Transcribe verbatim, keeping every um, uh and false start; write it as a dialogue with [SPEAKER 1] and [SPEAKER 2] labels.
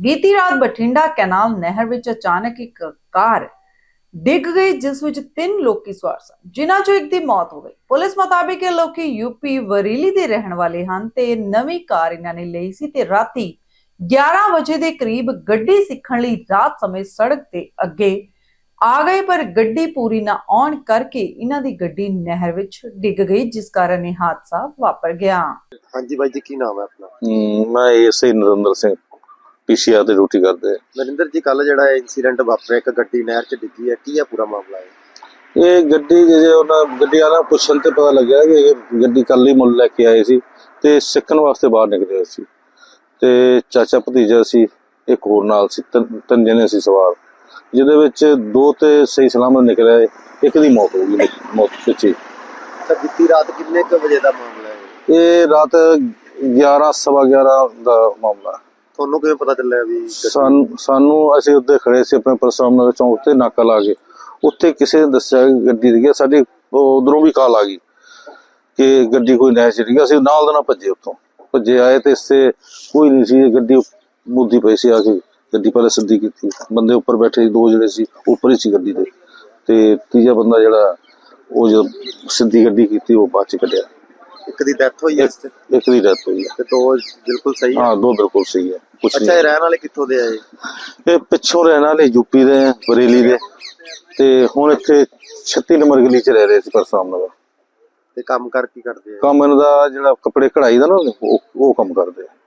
[SPEAKER 1] बीती रात बठिंडा कैनाल नहर विच अचानक एक कार डिग गई जिस विच तीन लोकी सवार सन जिन्हां चों एक दी मौत हो गई। पुलिस मुताबिक ਇਹ ਲੋਕੀ यूपी वरीली ਦੇ ਰਹਿਣ ਵਾਲੇ ਹਨ ਤੇ ਨਵੀਂ ਕਾਰ ਇਹਨਾਂ ਨੇ ਲਈ ਸੀ ਤੇ ਰਾਤੀ ਗਿਆਰਾਂ ਵਜੇ ਦੇ ਕਰੀਬ ਗੱਡੀ ਸਿੱਖਣ ਲਈ ਰਾਤ ਸਮੇਂ ਸੜਕ ਤੇ ਅੱਗੇ ਆ ਗਏ ਪਰ ਗੱਡੀ ਪੂਰੀ ਨਾ ਆਉਣ ਕਰਕੇ ਇਹਨਾਂ ਦੀ ਗੱਡੀ ਨਹਿਰ ਵਿੱਚ ਡਿੱਗ ਗਈ ਜਿਸ ਕਾਰਨ ਇਹ ਹਾਦਸਾ ਵਾਪਰ ਗਿਆ।
[SPEAKER 2] ਹਾਂਜੀ ਬਾਈ ਜੀ ਕੀ ਨਾਮ ਹੈ ਆਪਣਾ?
[SPEAKER 3] मैं S I Narendra Singh PCR ਤੇ ਡਿਊਟੀ ਕਰਦੇ।
[SPEAKER 2] ਨਰਿੰਦਰ ਜੀ ਕੱਲ ਜਿਹੜਾ ਇਨਸੀਡੈਂਟ ਵਾਪਰਿਆ ਇੱਕ ਗੱਡੀ ਨਹਿਰ 'ਚ ਡਿੱਗੀ ਹੈ, ਕੀ ਹੈ ਪੂਰਾ ਮਾਮਲਾ ਹੈ?
[SPEAKER 3] ਇਹ ਗੱਡੀ ਜੇ ਉਹਨਾਂ ਗੱਡੀ ਵਾਲਾ ਪੁੱਛਣ ਤੇ ਪਤਾ ਲੱਗਿਆ ਕਿ ਇਹ ਗੱਡੀ ਕੱਲ ਹੀ ਮੁੱਲ ਲੈ ਕੇ ਆਏ ਸੀ ਤੇ ਸਿੱਖਣ ਵਾਸਤੇ ਬਾਹਰ ਨਿਕਲੇ ਹੋਏ ਸੀ ਤੇ ਚਾਚਾ ਭਤੀਜਾ ਸੀ, ਇੱਕ ਹੋਰ ਨਾਲ ਸੀ, ਤਿੰਨ ਜਣੇ ਸੀ ਸਵਾਰ, ਜਿਹਦੇ ਵਿੱਚ ਦੋ ਤੇ ਸਹੀ ਸਲਾਮਤ ਨਿਕਲਿਆ, ਇੱਕ ਦੀ ਮੌਤ ਹੋ ਗਈ ਮੌਤ ਪਿੱਛੇ।
[SPEAKER 2] ਤਾਂ ਬੀਤੀ ਰਾਤ ਕਿੰਨੇ ਕੁ ਵਜੇ ਦਾ ਮਾਮਲਾ ਹੈ?
[SPEAKER 3] ਇਹ ਰਾਤ ਗਿਆਰਾਂ ਸਵਾ ਗਿਆਰਾਂ ਦਾ ਮਾਮਲਾ।
[SPEAKER 2] ਤੁਹਾਨੂੰ ਕਿਵੇਂ ਪਤਾ ਚੱਲਿਆ ਵੀ?
[SPEAKER 3] ਸਾਨੂੰ ਸਾਨੂੰ ਅਸੀਂ ਉੱਤੇ ਖੜੇ ਸੀ ਆਪਣੇ ਪਰਸਰਾਮ ਨਗਰ ਚੌਂਕ ਤੇ ਨਾਕਾ ਲਾ ਕੇ, ਉੱਥੇ ਕਿਸੇ ਨੇ ਦੱਸਿਆ ਕਿ ਗੱਡੀ ਡਿੱਗੀ। ਸਾਡੀ ਉਧਰੋਂ ਵੀ ਕਾਲ ਆ ਗਈ ਕਿ ਗੱਡੀ ਕੋਈ ਨਹਿਰ 'ਚ ਡਿੱਗੀ। ਅਸੀਂ ਨਾਲ ਦੇ ਨਾਲ ਭੱਜੇ, ਉੱਥੋਂ ਭੱਜੇ ਆਏ ਤੇ ਇਸੇ ਕੋਈ ਨਹੀਂ ਸੀ, ਗੱਡੀ ਮੁੱਦੀ ਪਈ ਸੀ। ਆ ਕੇ ਗੱਡੀ ਪਹਿਲੇ ਸਿੱਧੀ ਕੀਤੀ, ਬੰਦੇ ਉੱਪਰ ਬੈਠੇ ਸੀ, ਦੋ ਜਿਹੜੇ ਸੀ ਉੱਪਰ ਹੀ ਸੀ ਗੱਡੀ ਦੇ, ਤੇ ਤੀਜਾ ਬੰਦਾ ਜਿਹੜਾ ਉਹ ਜਦੋਂ ਸਿੱਧੀ ਗੱਡੀ ਕੀਤੀ ਉਹ ਬਾਅਦ 'ਚ ਕੱਢਿਆ।
[SPEAKER 2] ਇੱਕ ਦੀ ਡੈਥ ਹੋਈ ਹੈ,
[SPEAKER 3] ਇੱਕ ਦੀ ਡੈਥ ਹੋਈ ਹੈ
[SPEAKER 2] ਤੇ ਦੋ ਬਿਲਕੁਲ ਸਹੀ ਹੈ?
[SPEAKER 3] ਹਾਂ, ਦੋ ਬਿਲਕੁਲ ਸਹੀ ਹੈ।
[SPEAKER 2] ਅੱਛਾ, ਇਹ ਰਹਿਣ ਵਾਲੇ ਕਿੱਥੋਂ ਦੇ ਆਏ?
[SPEAKER 3] ਇਹ ਪਿੱਛੋਂ ਰਹਿਣ ਵਾਲੇ ਯੂਪੀ ਦੇ, ਬਰੇਲੀ ਦੇ, ਤੇ ਹੁਣ ਇੱਥੇ ਛੱਤੀ ਨੰਬਰ ਗਲੀ 'ਚ ਰਹਿ ਰਹੇ ਸੀ ਪਰਸਰਾਮ ਨਗਰ।
[SPEAKER 2] ਤੇ ਕੰਮ ਕਰ ਕੀ ਕਰਦੇ ਆ?
[SPEAKER 3] ਕੰਮ ਇਹਨਾਂ ਦਾ ਜਿਹੜਾ ਕੱਪੜੇ ਕਢਾਈ ਦਾ ਨਾ ਉਹ ਉਹ ਕੰਮ ਕਰਦੇ ਆ।